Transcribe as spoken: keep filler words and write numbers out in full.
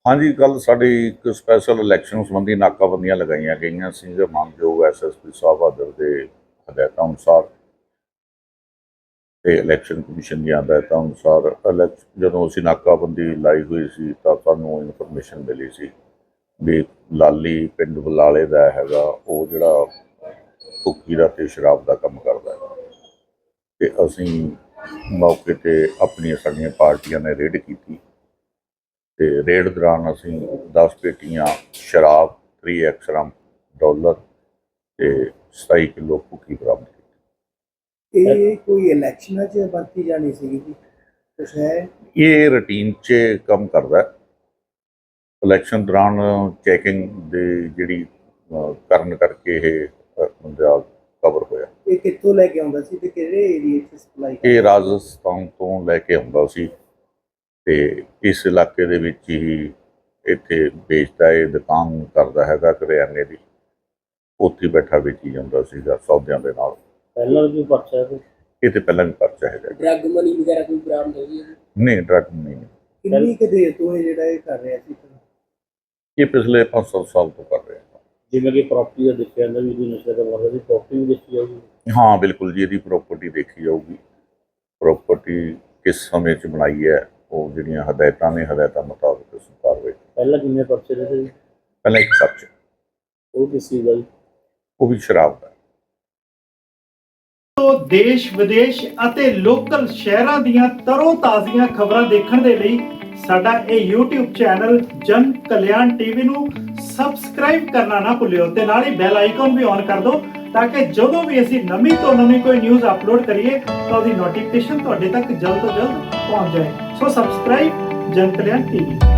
हाँ जी, कल साडी एक स्पैशल इलैक्शन संबंधी नाकाबंदियां लगाईਆਂ ਗਈਆਂ ਸੀ ਜੋ ਮਾਨਯੋਗ ਐਸ ਐਸ ਪੀ ਸਾਹਿਬ ਆਦਰ ਦੇ ਹਦਾਇਤਾਂ ਅਨੁਸਾਰ ਤੇ ਇਲੈਕਸ਼ਨ ਕਮਿਸ਼ਨ ਦੀਆਂ ਹਦਾਇਤਾਂ ਅਨੁਸਾਰ ਇਲੈਕ- ਜਦੋਂ ਅਸੀਂ ਨਾਕਾਬੰਦੀ ਲਾਈ ਹੋਈ ਸੀ ਤਾਂ ਸਾਨੂੰ ਇਨਫੋਰਮੇਸ਼ਨ ਮਿਲੀ ਸੀ ਵੀ ਲਾਲੀ ਪਿੰਡ ਬਲਾਲੇ ਦਾ ਹੈਗਾ ਉਹ ਜਿਹੜਾ ਭੁੱਕੀ ਦਾ ਤੇ ਸ਼ਰਾਬ ਦਾ ਕੰਮ ਕਰਦਾ ਹੈ ਤੇ ਅਸੀਂ ਮੌਕੇ ਤੇ ਆਪਣੀਆਂ ਸਾਡੀਆਂ ਪਾਰਟੀਆਂ ਨੇ ਰੇਡ ਕੀਤੀ ਤੇ ਰੇਡ ਦੌਰਾਨ ਅਸੀਂ ਦਸ ਪੇਟੀਆਂ ਸ਼ਰਾਬ ਥ੍ਰੀ ਐਕਸਰਮ ਡਾਲਰ ਤੇ ਸਤਾਈ ਕਿਲੋ ਭੁੱਕੀ ਬਰਾਮਦ ਕੀਤੀ। ਇਹ ਕੋਈ ਇਲੈਕਸ਼ਨਾਂ 'ਚ ਵਰਤੀ ਜਾਣੀ ਸੀਗੀ ਜੀ ਕੁਛ ਹੈ? ਇਹ ਰੂਟੀਨ 'ਚ ਕੰਮ ਕਰਦਾ ਹੈ। ਇਲੈਕਸ਼ਨ ਦੌਰਾਨ ਚੈਕਿੰਗ ਦੇ ਜਿਹੜੀ ਅਹ, ਕਰਨ ਕਰਕੇ ਇਹ ਅਹ, ਬੰਦਾ ਕਵਰ ਹੋਇਆ। ਇਹ ਕਿੱਥੋਂ ਲੈ ਕੇ ਆਉਂਦਾ ਸੀ ਤੇ ਕਿਹੜੇ ਏਰੀਏ 'ਚ ਸਪਲਾਈ ਇਹ ਰਾਜਸਥਾਨ ਤੋਂ ਲੈ ਕੇ ਆਉਂਦਾ ਸੀ ਤੇ ਇਸ ਇਲਾਕੇ ਦੇ ਵਿੱਚ ਹੀ ਇੱਥੇ ਵੇਚਦਾ, ਇਹ ਦੁਕਾਨ ਕਰਦਾ ਹੈਗਾ ਕਰਿਆਨੇ ਦੀ, ਉੱਥੇ ਬੈਠਾ ਵੇਚੀ ਜਾਂਦਾ ਸੀਗਾ ਸੌਦਿਆਂ ਦੇ ਨਾਲ। ਪਹਿਲਾਂ ਵੀ ਪਰਚਾ ਹੈ? ਇਹ ਤੇ ਪਹਿਲਾਂ ਵੀ ਪਰਚਾ ਹੈਗਾ। ਡਰੱਗ ਮਨੀ ਵਗੈਰਾ ਕੋਈ ਬਰਾਮਦ ਹੋਈ ਹੈ? ਨਹੀਂ, ਡਰੱਗ ਨਹੀਂ। ਕਿੰਨੀ ਕੁ ਦੇਰ ਤੋਂ ਇਹ ਜਿਹੜਾ ਇਹ ਕਰ ਰਿਹਾ ਸੀ? ਇਹ ਪਿਛਲੇ ਪੰਜ ਸੱਤ ਸਾਲ ਤੋਂ ਕਰ ਰਹੇ ਹਾਂ। ਜਿਵੇਂ ਕਿ ਪ੍ਰਾਪਰਟੀ ਦਾ ਦੇਖਿਆ ਜਾਂਦਾ ਵੀ ਇਹਦੀ ਨਸ਼ੇ ਦਾ ਮਰਦਾ ਦੀ ਪ੍ਰਾਪਰਟੀ ਵੀ ਦੇਖੀ ਜਾਊਗੀ? ਹਾਂ ਬਿਲਕੁਲ ਜੀ, ਇਹਦੀ ਪ੍ਰਾਪਰਟੀ ਦੇਖੀ ਜਾਊਗੀ। ਪ੍ਰਾਪਰਟੀ ਕਿਸ ਸਮੇਂ 'ਚ ਬਣਾਈ ਹੈ, ਉਹ ਜਿਹੜੀਆਂ ਹਦਾਇਤਾਂ ਨੇ ਹਦਾਇਤਾਂ ਮੁਤਾਬਕ ਅਸੀਂ ਕਾਰਵਾਈ। ਪਹਿਲਾਂ ਕਿੰਨੇ ਪਰਚੇ ਰਹੇ ਸੀ? ਪਹਿਲਾਂ ਇੱਕ ਪਰਚਾ, ਉਹ ਕਿਸ ਚੀਜ਼ ਦਾ ਜੀ? ਉਹ ਵੀ ਸ਼ਰਾਬ ਦਾ। ਤੋਂ ਦੇਸ਼ ਵਿਦੇਸ਼ ਅਤੇ ਲੋਕਲ ਸ਼ਹਿਰਾਂ ਦੀਆਂ ਤਰੋ ਤਾਜ਼ੀਆਂ ਖਬਰਾਂ ਦੇਖਣ ਦੇ ਲਈ ਸਾਡਾ ਇਹ YouTube ਚੈਨਲ ਜਨ ਕਲਿਆਣ ਟੀਵੀ ਨੂੰ ਸਬਸਕ੍ਰਾਈਬ ਕਰਨਾ ਨਾ ਭੁੱਲਿਓ ਤੇ ਨਾਲ ਹੀ ਬੈਲ ਆਈਕਨ ਵੀ ਔਨ ਕਰ ਦਿਓ ਤਾਂ ਕਿ ਜਦੋਂ ਵੀ ਅਸੀਂ ਨਵੀਂ ਤੋਂ ਨਵੀਂ ਕੋਈ ਨਿਊਜ਼ ਅਪਲੋਡ ਕਰੀਏ ਤਾਂ ਉਹਦੀ ਨੋਟੀਫਿਕੇਸ਼ਨ ਤੁਹਾਡੇ ਤੱਕ ਜਲਦ ਤੋਂ ਜਲਦ ਪਹੁੰਚ ਜਾਏ। ਸੋ ਸਬਸਕ੍ਰਾਈਬ ਜਨ ਕਲਿਆਣ ਟੀਵੀ।